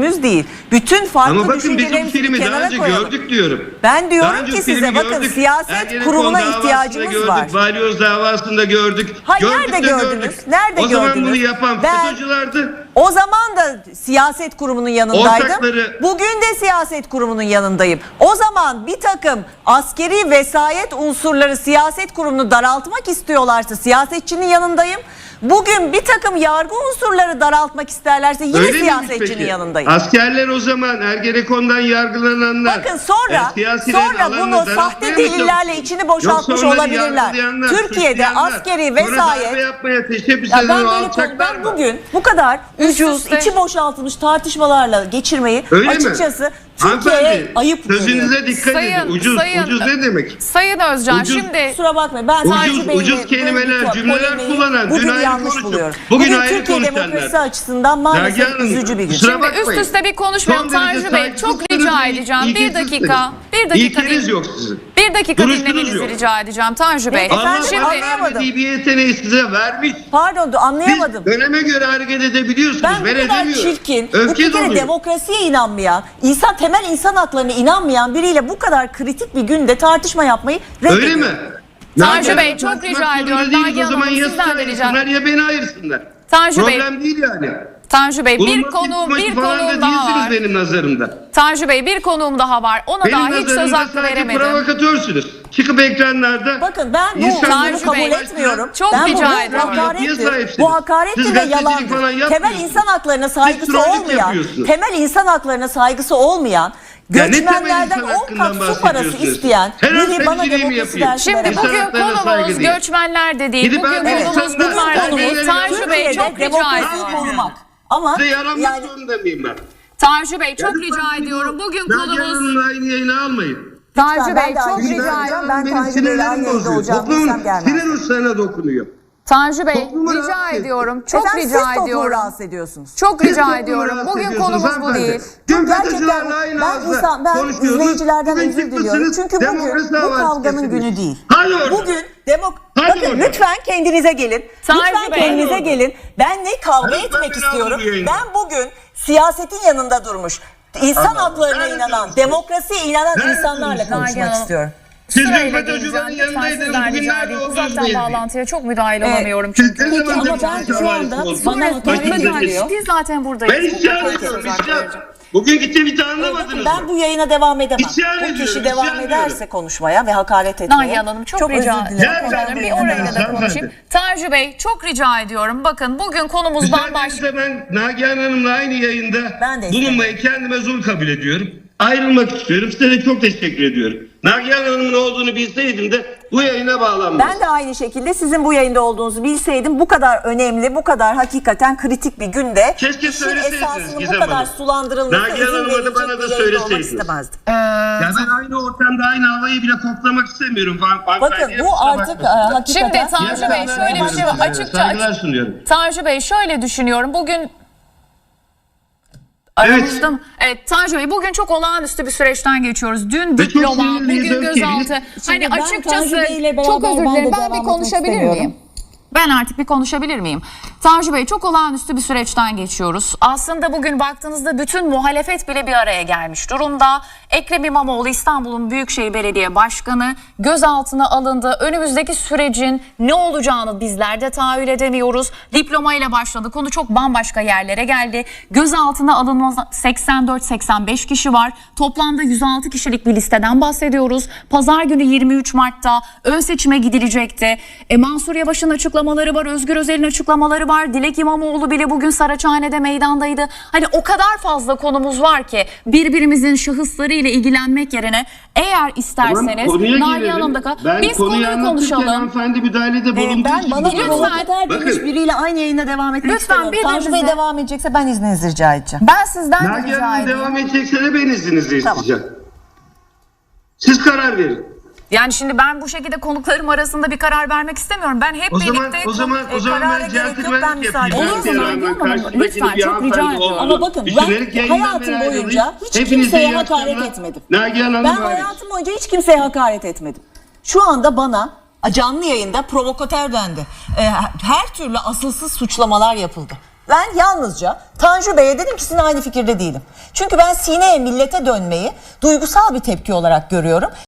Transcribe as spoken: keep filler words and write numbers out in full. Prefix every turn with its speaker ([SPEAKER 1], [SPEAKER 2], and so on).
[SPEAKER 1] günümüz değil. Bütün farklı
[SPEAKER 2] Ama bakın biz bu
[SPEAKER 1] düşüncelerimizi
[SPEAKER 2] filmi daha
[SPEAKER 1] kenara
[SPEAKER 2] önce
[SPEAKER 1] koyalım.
[SPEAKER 2] gördük diyorum.
[SPEAKER 1] Ben diyorum
[SPEAKER 2] Daha önce
[SPEAKER 1] ki size
[SPEAKER 2] filmi
[SPEAKER 1] bakın
[SPEAKER 2] gördük.
[SPEAKER 1] siyaset
[SPEAKER 2] Ergenekon
[SPEAKER 1] kurumuna
[SPEAKER 2] davasında
[SPEAKER 1] ihtiyacımız
[SPEAKER 2] gördük,
[SPEAKER 1] var.
[SPEAKER 2] Balyoz davasında gördük.
[SPEAKER 1] Hayır,
[SPEAKER 2] Gördük
[SPEAKER 1] nerede
[SPEAKER 2] de
[SPEAKER 1] gördünüz?
[SPEAKER 2] gördük.
[SPEAKER 1] Nerede
[SPEAKER 2] o zaman
[SPEAKER 1] gördünüz?
[SPEAKER 2] bunu yapan
[SPEAKER 1] Ben-
[SPEAKER 2] FETÖ'cülerdi.
[SPEAKER 1] O zaman da siyaset kurumunun yanındaydım.
[SPEAKER 2] Ortakları-
[SPEAKER 1] Bugün de siyaset kurumunun yanındayım. O zaman bir takım askeri vesayet unsurları siyaset kurumunu daraltmak istiyorlarsa siyasetçinin yanındayım. Bugün bir takım yargı unsurları daraltmak isterlerse yine
[SPEAKER 2] Öyle miymiş
[SPEAKER 1] siyasetçinin
[SPEAKER 2] peki?
[SPEAKER 1] yanındayım.
[SPEAKER 2] Askerler o zaman Ergenekon'dan yargılananlar.
[SPEAKER 1] Bakın sonra
[SPEAKER 2] e, siyasilerin
[SPEAKER 1] sonra
[SPEAKER 2] alanını
[SPEAKER 1] bunu
[SPEAKER 2] daraltmaya
[SPEAKER 1] sahte
[SPEAKER 2] mı
[SPEAKER 1] delillerle
[SPEAKER 2] çalışıyorsunuz?
[SPEAKER 1] içini boşaltmış
[SPEAKER 2] Yoksa onları
[SPEAKER 1] olabilirler.
[SPEAKER 2] yargılayanlar,
[SPEAKER 1] Türkiye'de
[SPEAKER 2] suçlayanlar,
[SPEAKER 1] askeri
[SPEAKER 2] sonra
[SPEAKER 1] vesayet
[SPEAKER 2] darbe yapmaya teşebbüs
[SPEAKER 1] Ya ben
[SPEAKER 2] eden o
[SPEAKER 1] böyle konu,
[SPEAKER 2] alçaklar
[SPEAKER 1] ben
[SPEAKER 2] var.
[SPEAKER 1] bugün bu kadar ucuz,
[SPEAKER 3] üste.
[SPEAKER 1] içi boşaltılmış tartışmalarla geçirmeyi
[SPEAKER 2] Öyle
[SPEAKER 1] açıkçası
[SPEAKER 2] mi?
[SPEAKER 1] Türkiye'ye
[SPEAKER 2] Hanımefendi,
[SPEAKER 1] ayıp görüyorum.
[SPEAKER 2] sözünüze dikkat
[SPEAKER 3] Sayın-
[SPEAKER 2] edin. Ucuz,
[SPEAKER 3] sayın-
[SPEAKER 2] ucuz ne demek?
[SPEAKER 3] Sayın Özcan
[SPEAKER 2] Ucuz-
[SPEAKER 3] şimdi
[SPEAKER 1] Kusura bakmayın ben
[SPEAKER 2] Ucuz-
[SPEAKER 1] Tanju Bey'le
[SPEAKER 2] ucuz
[SPEAKER 1] böyle
[SPEAKER 2] kelimeler,
[SPEAKER 1] bir
[SPEAKER 2] cümleler
[SPEAKER 1] polemiği
[SPEAKER 2] kullanan,
[SPEAKER 1] bugün
[SPEAKER 2] dün ayrı
[SPEAKER 1] yanlış
[SPEAKER 2] konuştuk.
[SPEAKER 1] buluyorum.
[SPEAKER 2] Bugün
[SPEAKER 1] Bugün,
[SPEAKER 2] ayrı
[SPEAKER 1] Türkiye
[SPEAKER 2] konuşanlar.
[SPEAKER 1] demokrasi açısından maalesef
[SPEAKER 2] Nagihan Hanım,
[SPEAKER 1] üzücü bir gün.
[SPEAKER 2] kusura
[SPEAKER 3] Şimdi
[SPEAKER 2] bakmayın.
[SPEAKER 3] üst üste bir konuşmayalım
[SPEAKER 2] Son derece
[SPEAKER 3] Tanju Bey. Çok
[SPEAKER 2] saygısızsınız
[SPEAKER 3] rica
[SPEAKER 2] ve
[SPEAKER 3] edeceğim. Bir
[SPEAKER 2] ilgisizsiniz.
[SPEAKER 3] dakika. Bir dakika.
[SPEAKER 2] İlkeniz
[SPEAKER 3] din-
[SPEAKER 2] yok sizin.
[SPEAKER 3] Bir dakika
[SPEAKER 2] Duruşunuz
[SPEAKER 3] dinlemenizi
[SPEAKER 2] yok.
[SPEAKER 3] rica edeceğim Tanju Bey.
[SPEAKER 1] Efendim,
[SPEAKER 2] Allah
[SPEAKER 3] Şimdi
[SPEAKER 1] anlayamadım.
[SPEAKER 2] vermediği bir yeteneği size vermiş.
[SPEAKER 1] Pardon anlayamadım.
[SPEAKER 2] Siz döneme göre hareket edebiliyorsunuz.
[SPEAKER 1] Ben
[SPEAKER 2] Ben
[SPEAKER 1] bu kadar
[SPEAKER 2] edemiyorum.
[SPEAKER 1] çirkin, bu
[SPEAKER 2] Öfke
[SPEAKER 1] bir kere
[SPEAKER 2] doluyor.
[SPEAKER 1] demokrasiye inanmayan, insan temel insan haklarına inanmayan biriyle bu kadar kritik bir günde tartışma yapmayı reddediyorum.
[SPEAKER 2] Öyle mi?
[SPEAKER 3] Tanju
[SPEAKER 2] Nagihan
[SPEAKER 3] Bey,
[SPEAKER 2] Hanım,
[SPEAKER 3] çok
[SPEAKER 2] tartışmak
[SPEAKER 3] rica
[SPEAKER 2] zorunda
[SPEAKER 3] ediyorum.
[SPEAKER 2] değiliz.
[SPEAKER 3] Nagihan
[SPEAKER 2] O zaman
[SPEAKER 3] Hanım,
[SPEAKER 2] ya
[SPEAKER 3] sizden
[SPEAKER 2] sizi
[SPEAKER 3] de rica-
[SPEAKER 2] ayırsınlar ya beni ayırsınlar.
[SPEAKER 3] Tanju Bey,
[SPEAKER 2] Problem değil yani.
[SPEAKER 3] Tanju Bey bir
[SPEAKER 2] Bulunması
[SPEAKER 3] konu
[SPEAKER 2] ihtimali
[SPEAKER 3] bir
[SPEAKER 2] falan da
[SPEAKER 3] konuğum daha
[SPEAKER 2] değilsiniz
[SPEAKER 3] var.
[SPEAKER 2] benim nazarımda.
[SPEAKER 3] Tanju Bey bir konuğum daha var. Ona
[SPEAKER 2] Benim
[SPEAKER 3] daha hiç söz
[SPEAKER 2] nazarımda
[SPEAKER 3] hakkı
[SPEAKER 2] sadece
[SPEAKER 3] veremedim.
[SPEAKER 2] provokatörsünüz. Çıkıp ekranlarda
[SPEAKER 1] Bakın ben bu
[SPEAKER 2] insanları
[SPEAKER 1] bunu
[SPEAKER 3] Tanju
[SPEAKER 1] kabul
[SPEAKER 3] Bey,
[SPEAKER 1] etmiyorum.
[SPEAKER 3] çok
[SPEAKER 1] ben
[SPEAKER 3] rica
[SPEAKER 1] bu
[SPEAKER 3] ediyorum.
[SPEAKER 2] Yapıya
[SPEAKER 1] hakarettir.
[SPEAKER 2] sahipsiniz.
[SPEAKER 1] Bu hakarettir
[SPEAKER 2] Siz
[SPEAKER 1] ve
[SPEAKER 2] gazetecilik falan
[SPEAKER 1] yalandır.
[SPEAKER 2] yapmıyorsunuz.
[SPEAKER 1] Temel insan haklarına saygısı
[SPEAKER 2] trollük
[SPEAKER 1] olmayan,
[SPEAKER 2] yapıyorsunuz.
[SPEAKER 1] temel insan haklarına saygısı olmayan,
[SPEAKER 2] Ya ne temel
[SPEAKER 1] göçmenlerden
[SPEAKER 2] insan
[SPEAKER 1] on
[SPEAKER 2] hakkından
[SPEAKER 1] kat su parası
[SPEAKER 2] bahsediyorsunuz?
[SPEAKER 1] isteyen
[SPEAKER 2] Terör
[SPEAKER 1] biri bana
[SPEAKER 2] temsili mi
[SPEAKER 1] demokrasi
[SPEAKER 2] yapıyor?
[SPEAKER 1] dersi
[SPEAKER 3] Şimdi
[SPEAKER 1] veremez.
[SPEAKER 2] İnsan
[SPEAKER 3] bugün
[SPEAKER 2] haklarına saygı
[SPEAKER 3] konumuz
[SPEAKER 2] değil.
[SPEAKER 3] göçmenler de değil.
[SPEAKER 2] Gidip
[SPEAKER 3] Bugün
[SPEAKER 2] ben-
[SPEAKER 1] Evet,
[SPEAKER 3] konumuz
[SPEAKER 2] insanlar-
[SPEAKER 3] bunlar da değil.
[SPEAKER 2] konumuz
[SPEAKER 3] Tanju Bey
[SPEAKER 1] Türkiye'de
[SPEAKER 3] çok rica
[SPEAKER 1] demokrasiyi
[SPEAKER 3] ediyorum.
[SPEAKER 1] korumak. Ama
[SPEAKER 2] Size yaranmak
[SPEAKER 1] yani
[SPEAKER 2] zorunda mıyım ben?
[SPEAKER 3] Tanju Bey çok
[SPEAKER 2] Ya
[SPEAKER 3] rica
[SPEAKER 2] lütfen
[SPEAKER 3] ediyorum. Bugün
[SPEAKER 2] Nagihan
[SPEAKER 3] konumuz
[SPEAKER 2] Hanım'la aynı yayını almayın.
[SPEAKER 3] Tanju
[SPEAKER 1] Lütfen,
[SPEAKER 3] Bey
[SPEAKER 1] ben de
[SPEAKER 3] çok
[SPEAKER 1] aynı
[SPEAKER 3] rica
[SPEAKER 1] şeyi
[SPEAKER 3] ediyorum.
[SPEAKER 1] Ben
[SPEAKER 2] benim
[SPEAKER 1] Tanju Bey'le aynı
[SPEAKER 2] sinirlerim
[SPEAKER 1] yayında
[SPEAKER 2] bozuyor.
[SPEAKER 1] olacağım
[SPEAKER 2] Toplumun
[SPEAKER 1] bilsem gelmez.
[SPEAKER 2] sinir uçlarına dokunuyor.
[SPEAKER 3] Tanju Bey
[SPEAKER 2] Toplumu
[SPEAKER 3] rica
[SPEAKER 2] rahatsız ediyor.
[SPEAKER 3] ediyorum. Çok
[SPEAKER 1] Efendim,
[SPEAKER 3] rica
[SPEAKER 1] siz toplumu
[SPEAKER 3] ediyorum.
[SPEAKER 1] rahatsız ediyorsunuz.
[SPEAKER 3] Çok
[SPEAKER 2] Siz
[SPEAKER 3] rica
[SPEAKER 2] toplumu
[SPEAKER 3] ediyorum.
[SPEAKER 2] rahatsız
[SPEAKER 3] Bugün
[SPEAKER 2] ediyorsunuz
[SPEAKER 3] konumuz bu
[SPEAKER 2] hanımefendi.
[SPEAKER 3] değil.
[SPEAKER 2] Dün
[SPEAKER 1] Gerçekten
[SPEAKER 2] FETÖ'cülerle aynı
[SPEAKER 1] ben,
[SPEAKER 2] ağızla
[SPEAKER 1] insan, ben
[SPEAKER 2] konuşuyordunuz.
[SPEAKER 1] izleyicilerden
[SPEAKER 2] Bugün
[SPEAKER 1] özür
[SPEAKER 2] çıkmışsınız,
[SPEAKER 1] diliyorum. Çünkü bugün
[SPEAKER 2] demokrasi
[SPEAKER 1] bu
[SPEAKER 2] davası
[SPEAKER 1] kavganın
[SPEAKER 2] kesildiniz.
[SPEAKER 1] günü değil.
[SPEAKER 2] Hadi oradan.
[SPEAKER 1] Bugün demok
[SPEAKER 2] Hadi
[SPEAKER 1] Bakın
[SPEAKER 2] oradan.
[SPEAKER 1] lütfen kendinize gelin.
[SPEAKER 3] Tanju
[SPEAKER 1] lütfen
[SPEAKER 3] Bey.
[SPEAKER 1] kendinize
[SPEAKER 2] Hadi
[SPEAKER 1] gelin. Ben ne kavga
[SPEAKER 2] Lütfen
[SPEAKER 1] etmek
[SPEAKER 2] beni
[SPEAKER 1] istiyorum.
[SPEAKER 2] alın bu yayına.
[SPEAKER 1] Ben bugün siyasetin yanında durmuş, insan
[SPEAKER 2] Allah'ım,
[SPEAKER 1] haklarına
[SPEAKER 2] nerede
[SPEAKER 1] inanan,
[SPEAKER 2] durmuşsunuz?
[SPEAKER 1] demokrasiye inanan
[SPEAKER 2] Nerede
[SPEAKER 1] insanlarla
[SPEAKER 2] durmuşsunuz?
[SPEAKER 1] konuşmak
[SPEAKER 3] Nagihan
[SPEAKER 1] istiyorum.
[SPEAKER 2] Siz dün
[SPEAKER 3] Sırayla
[SPEAKER 2] FETÖ'cülerin
[SPEAKER 3] geleceğim. Lütfen
[SPEAKER 2] yanındaydınız.
[SPEAKER 3] sizden
[SPEAKER 2] Bugün
[SPEAKER 3] rica
[SPEAKER 2] nerede
[SPEAKER 3] edeyim.
[SPEAKER 2] olduğunuz
[SPEAKER 3] Uzaktan
[SPEAKER 2] belli.
[SPEAKER 3] bağlantıya çok müdahale
[SPEAKER 1] Ee,
[SPEAKER 3] olamıyorum
[SPEAKER 2] Siz
[SPEAKER 3] çünkü.
[SPEAKER 2] ne
[SPEAKER 1] Peki,
[SPEAKER 2] zaman
[SPEAKER 1] ama ben
[SPEAKER 2] demokrasi
[SPEAKER 1] şu anda
[SPEAKER 2] davası
[SPEAKER 1] bana
[SPEAKER 2] oldunuz?
[SPEAKER 1] hakaret
[SPEAKER 2] Başınıza
[SPEAKER 1] ediliyor.
[SPEAKER 2] geçin.
[SPEAKER 3] Biz zaten buradayız.
[SPEAKER 2] Ben isyan
[SPEAKER 3] Çok
[SPEAKER 2] ediyorum.
[SPEAKER 3] söz hakkı
[SPEAKER 2] isyan.
[SPEAKER 3] vereceğim.
[SPEAKER 2] Bugünkü tweet'i
[SPEAKER 1] Bakın
[SPEAKER 2] anlamadınız
[SPEAKER 1] ben
[SPEAKER 2] mı?
[SPEAKER 1] bu yayına devam edemem.
[SPEAKER 2] İsyan
[SPEAKER 1] bu
[SPEAKER 2] ediyorum,
[SPEAKER 1] kişi devam
[SPEAKER 2] isyan
[SPEAKER 1] ederse
[SPEAKER 2] ediyorum.
[SPEAKER 1] konuşmaya ve hakaret etmeye.
[SPEAKER 3] Nagihan Hanım çok, rica
[SPEAKER 1] özür dilerim.
[SPEAKER 2] Ya,
[SPEAKER 3] Konuşalım.
[SPEAKER 2] ben-
[SPEAKER 3] Bir orayla da
[SPEAKER 2] Hanımefendi.
[SPEAKER 3] konuşayım. Tanju Bey çok rica ediyorum. Bakın bugün konumuz bambaşka.
[SPEAKER 2] Müsaadenizle ben Nagihan Hanım'la aynı yayında
[SPEAKER 1] Ben de isterim.
[SPEAKER 2] bulunmayı kendime zul kabul ediyorum. Ayrılmak istiyorum. Size de çok teşekkür ediyorum. Nagihan Hanım'ın olduğunu bilseydim de bu yayına bağlanmazdım.
[SPEAKER 1] Ben de aynı şekilde sizin bu yayında olduğunuzu bilseydim bu kadar önemli, bu kadar hakikaten kritik bir günde
[SPEAKER 2] Keşke
[SPEAKER 1] işin
[SPEAKER 2] söyleseydiniz
[SPEAKER 1] esasının bu
[SPEAKER 2] Gizem
[SPEAKER 1] kadar
[SPEAKER 2] Hanım.
[SPEAKER 1] sulandırılmasına
[SPEAKER 2] Nagihan
[SPEAKER 1] izin
[SPEAKER 2] Hanım'a da
[SPEAKER 1] verilecek
[SPEAKER 2] bana da
[SPEAKER 1] bir yayında olmak
[SPEAKER 2] söyleseydiniz.
[SPEAKER 1] istemezdim.
[SPEAKER 2] Ya ben aynı ortamda aynı havayı bile koklamak istemiyorum. Fan,
[SPEAKER 1] Bakın bu artık e, hakikaten...
[SPEAKER 3] Şimdi Tanju Bey şöyle bir şey var. Açıkça
[SPEAKER 2] Saygılar sunuyorum.
[SPEAKER 3] Tanju Bey şöyle düşünüyorum. Bugün
[SPEAKER 2] Evet.
[SPEAKER 3] aramızda mı? Evet Tanju Bey bugün çok olağanüstü bir süreçten geçiyoruz. Dün
[SPEAKER 2] Ve çok
[SPEAKER 3] diploma,
[SPEAKER 2] sinirliyiz,
[SPEAKER 3] bugün
[SPEAKER 2] öfkeliyiz.
[SPEAKER 3] gözaltı.
[SPEAKER 1] Şimdi
[SPEAKER 3] Hani
[SPEAKER 1] ben
[SPEAKER 3] açıkçası
[SPEAKER 1] Tanju Bey'le
[SPEAKER 3] çok
[SPEAKER 1] beraber
[SPEAKER 3] özür
[SPEAKER 1] ben de
[SPEAKER 3] dilerim. Ben
[SPEAKER 1] devam
[SPEAKER 3] bir
[SPEAKER 1] etmek
[SPEAKER 3] konuşabilir
[SPEAKER 1] istemiyorum.
[SPEAKER 3] miyim? Ben artık bir konuşabilir miyim? Tanju Bey çok olağanüstü bir süreçten geçiyoruz. Aslında bugün baktığınızda bütün muhalefet bile bir araya gelmiş durumda. Ekrem İmamoğlu İstanbul'un Büyükşehir Belediye Başkanı gözaltına alındı. Önümüzdeki sürecin ne olacağını bizler de tahayyül edemiyoruz. Diplomayla başladı. Konu çok bambaşka yerlere geldi. Gözaltına alınma seksen dört seksen beş kişi var. Toplamda yüz altı kişilik bir listeden bahsediyoruz. Pazar günü yirmi üç Mart'ta ön seçime gidilecekti. E, Mansur Yavaş'ın açıklamaları var. Özgür Özel'in açıklamaları var. Dilek İmamoğlu bile bugün Saraçhane'de meydandaydı. Hani o kadar fazla konumuz var ki birbirimizin şahıslarıyla ilgilenmek yerine eğer isterseniz Nagihan Hanım'da kal-
[SPEAKER 2] Ben
[SPEAKER 3] biz
[SPEAKER 2] konuyu
[SPEAKER 3] konuyu
[SPEAKER 2] anlatırken
[SPEAKER 3] konuşalım.
[SPEAKER 2] hanımefendi müdahalede
[SPEAKER 1] Ee,
[SPEAKER 2] bulunduğu
[SPEAKER 1] ben
[SPEAKER 2] için
[SPEAKER 1] bana
[SPEAKER 2] bu kadar-
[SPEAKER 1] provokater
[SPEAKER 2] Bakın.
[SPEAKER 1] demiş biriyle aynı yayına devam etmek
[SPEAKER 3] Lütfen
[SPEAKER 1] istemiyorum. Tanju Bey
[SPEAKER 3] birbirinize-
[SPEAKER 1] devam edecekse ben izninizi rica edeceğim.
[SPEAKER 3] Ben sizden de
[SPEAKER 2] Nagihan
[SPEAKER 3] rica
[SPEAKER 2] Hanım
[SPEAKER 3] edeyim.
[SPEAKER 2] devam edecekse de ben izninizle
[SPEAKER 1] Tamam.
[SPEAKER 2] isteyeceğim. Siz karar verin.
[SPEAKER 3] Yani şimdi ben bu şekilde konuklarım arasında bir karar vermek istemiyorum. Ben hep
[SPEAKER 2] O zaman
[SPEAKER 3] birlikte
[SPEAKER 2] o zaman o
[SPEAKER 1] e,
[SPEAKER 2] zaman
[SPEAKER 1] karara
[SPEAKER 2] ben
[SPEAKER 1] gerek yok, ben
[SPEAKER 2] centilmenlik
[SPEAKER 1] müsaade
[SPEAKER 2] yapayım.
[SPEAKER 3] ediyorum.
[SPEAKER 2] Ben
[SPEAKER 3] Olur mu
[SPEAKER 2] Seyran'dan
[SPEAKER 3] Nagihan Hanım?
[SPEAKER 2] karşımdaki
[SPEAKER 3] Lütfen,
[SPEAKER 2] bir
[SPEAKER 3] çok rica
[SPEAKER 2] hanımefendi
[SPEAKER 3] ediyorum.
[SPEAKER 2] oldu.
[SPEAKER 1] Ama bakın
[SPEAKER 2] Düşünerek
[SPEAKER 1] ben
[SPEAKER 2] yayından
[SPEAKER 1] hayatım
[SPEAKER 2] beri
[SPEAKER 1] boyunca
[SPEAKER 2] ayrılayım.
[SPEAKER 1] hiç
[SPEAKER 2] Hepinize
[SPEAKER 1] kimseye
[SPEAKER 2] iyi
[SPEAKER 1] hakaret
[SPEAKER 2] akşamlar.
[SPEAKER 1] etmedim.
[SPEAKER 2] Nagihan Hanım
[SPEAKER 1] Ben
[SPEAKER 2] hariç.
[SPEAKER 1] hayatım boyunca hiç kimseye hakaret etmedim. Şu anda bana canlı yayında provokatör dendi. Ee, her türlü asılsız suçlamalar yapıldı. Ben yalnızca Tanju Bey'e dedim ki sizinle aynı fikirde değilim. Çünkü ben sineye millete dönmeyi duygusal bir tepki olarak görüyorum.